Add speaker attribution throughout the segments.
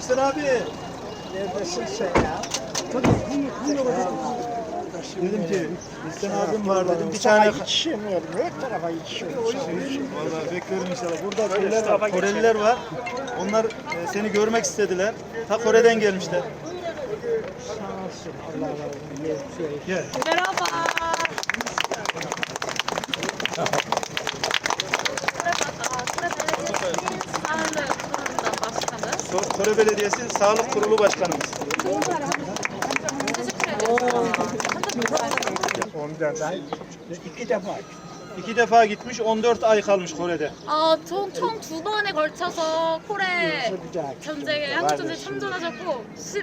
Speaker 1: İhsan abi.
Speaker 2: Neredesin sen ya?
Speaker 1: Dedim ki İhsan abim var dedim. Bir
Speaker 2: Sana
Speaker 1: tane
Speaker 2: yetişemiyorum. Her tarafa yetişiyorum.
Speaker 1: vallahi beklerim inşallah. Burada şeyler var, Koreliler var. Onlar seni görmek istediler. Ta Kore'den gelmişler.
Speaker 2: Sağ olsun. Allah razı olsun.
Speaker 1: Gel.
Speaker 3: Merhaba.
Speaker 1: Kore Belediyesi Sağlık Kurulu Başkanımız.
Speaker 2: Ondan da 2 defa.
Speaker 1: 2 defa gitmiş, 14 ay kalmış Kore'de.
Speaker 3: 아, 전 총 2번에 걸쳐서 코레 전쟁에 한국 전쟁에 참전하셨고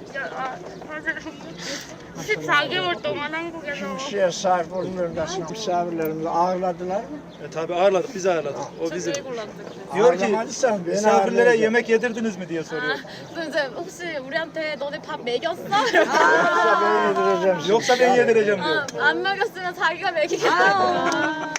Speaker 3: 14개월 동안 한국에서
Speaker 2: Kimseye sahip olmuyorum. Nasıl misafirlerimizi ağırladılar mı?
Speaker 1: Tabii ağırladık, biz ağırladık. O bizim.
Speaker 3: 저쪽에 골랐는데.
Speaker 1: Diyor ki
Speaker 2: Ağırlamadıysan beni
Speaker 1: misafirlere
Speaker 2: ağırlayacak.
Speaker 1: yemek yedirdiniz mi diye soruyor.
Speaker 3: 그래서 이제 혹시 우리한테 너네 밥 먹였어?
Speaker 2: Yoksa ben yedireceğim sizi.
Speaker 1: Yoksa ben yedireceğim diyor.
Speaker 3: 아, 안 먹였으면 자기가 먹이겠다고.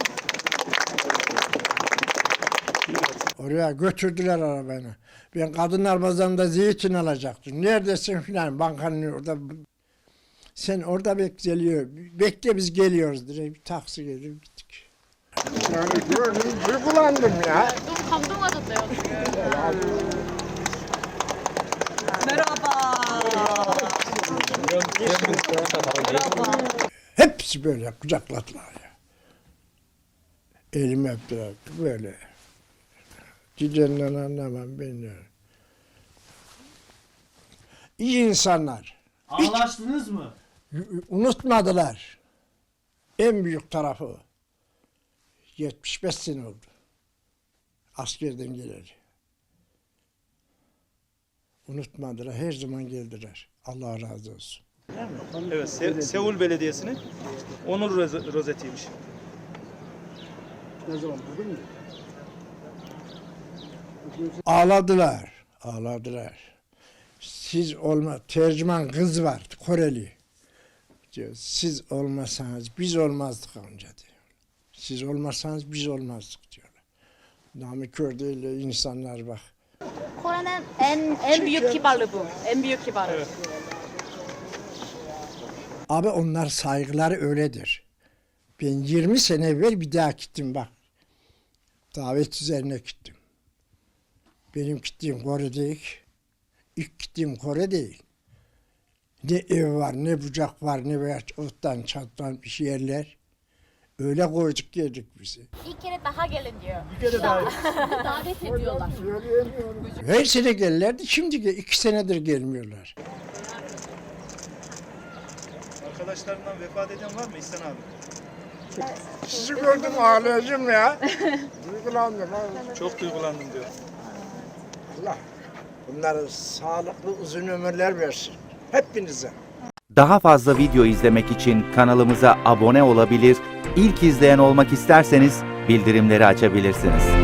Speaker 2: Oraya götürdüler arabanı. Ben kadınlar pazarında zeytin alacaktım. Neredesin filan bankanın orada. Sen orada bekliyor. Bekle biz geliyoruz diye bir taksi gelip gittik. Yani gördüm, duygulandım ya.
Speaker 3: 너무 감동하셨대요 지금.
Speaker 2: Hepsi böyle kucakladılar ya. Elimi öptüler böyle. Cicenden anlamam beni. İyi insanlar.
Speaker 4: Ağlaştınız mı?
Speaker 2: Unutmadılar. En büyük tarafı 75 sene oldu. Askerden geleli. Unutmadılar. Her zaman geldiler. Allah razı olsun.
Speaker 1: Evet, Seul Belediyesi'nin onur rozetiymiş.
Speaker 2: Ağladılar. Ağladılar. Siz olma, tercüman kız var, Koreli. Diyor, siz olmasanız biz olmazdık amca diyor. Siz olmasanız biz olmazdık diyorlar. Namıkör değil insanlar bak.
Speaker 3: 코레는 en büyük kibarlığı bu. En büyük kibarlığı.
Speaker 2: Abi onlar saygıları öyledir. Ben 20 sene evvel bir daha gittim bak. Davet üzerine gittim. Benim gittiğim Kore değil. İlk gittiğim Kore değil. Ne ev var, ne bucak var, ne veya ottan çattan bir yerler. Öyle koyduk geldik bizi.
Speaker 3: İlk kere daha gelin diyor.
Speaker 1: Bir kere daha.
Speaker 3: Davet ediyorlar.
Speaker 2: Her sene gelirlerdi, şimdi 2 senedir gelmiyorlar.
Speaker 1: Arkadaşlarından vefat eden var mı İhsan abi?
Speaker 2: Sizi gördüm ağlayacağım ya. Duygulandım.
Speaker 1: Çok duygulandım diyor.
Speaker 2: Allah bunlara sağlıklı uzun ömürler versin. Hepinize.
Speaker 5: Daha fazla video izlemek için kanalımıza abone olabilir, ilk izleyen olmak isterseniz bildirimleri açabilirsiniz.